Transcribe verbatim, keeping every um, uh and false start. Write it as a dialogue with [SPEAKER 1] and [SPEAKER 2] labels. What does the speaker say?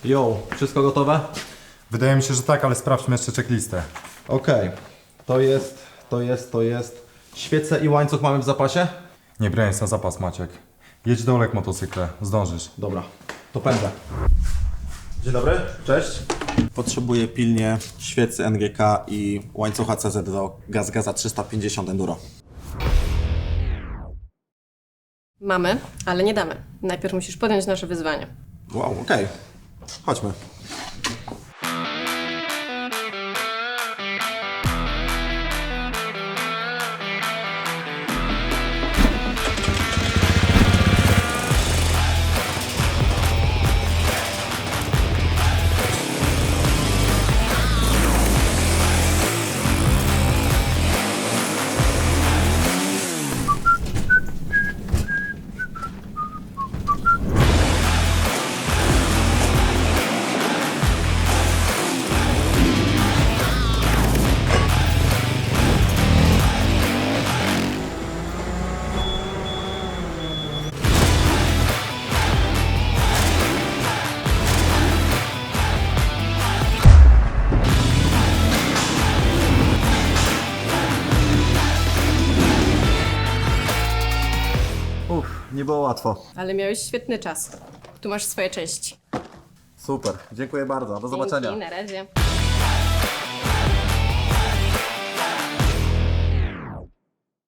[SPEAKER 1] Jo, wszystko gotowe?
[SPEAKER 2] Wydaje mi się, że tak, ale sprawdźmy jeszcze checklistę.
[SPEAKER 1] Okej, to jest, to jest, to jest. Świece i łańcuch mamy w zapasie?
[SPEAKER 2] Nie brałeś na zapas, Maciek. Jedź do Olek motocykle, zdążysz.
[SPEAKER 1] Dobra, to pędzę. Dzień dobry, cześć.
[SPEAKER 3] Potrzebuję pilnie świecy N G K i łańcucha C Z do Gaz Gaza trzysta pięćdziesiąt Enduro.
[SPEAKER 4] Mamy, ale nie damy. Najpierw musisz podjąć nasze wyzwanie.
[SPEAKER 3] Wow, okej. Chodźmy.
[SPEAKER 1] Uff, nie było łatwo.
[SPEAKER 4] Ale miałeś świetny czas. Tu masz swoje części.
[SPEAKER 1] Super, dziękuję bardzo, do zobaczenia.
[SPEAKER 4] Dzięki, na razie.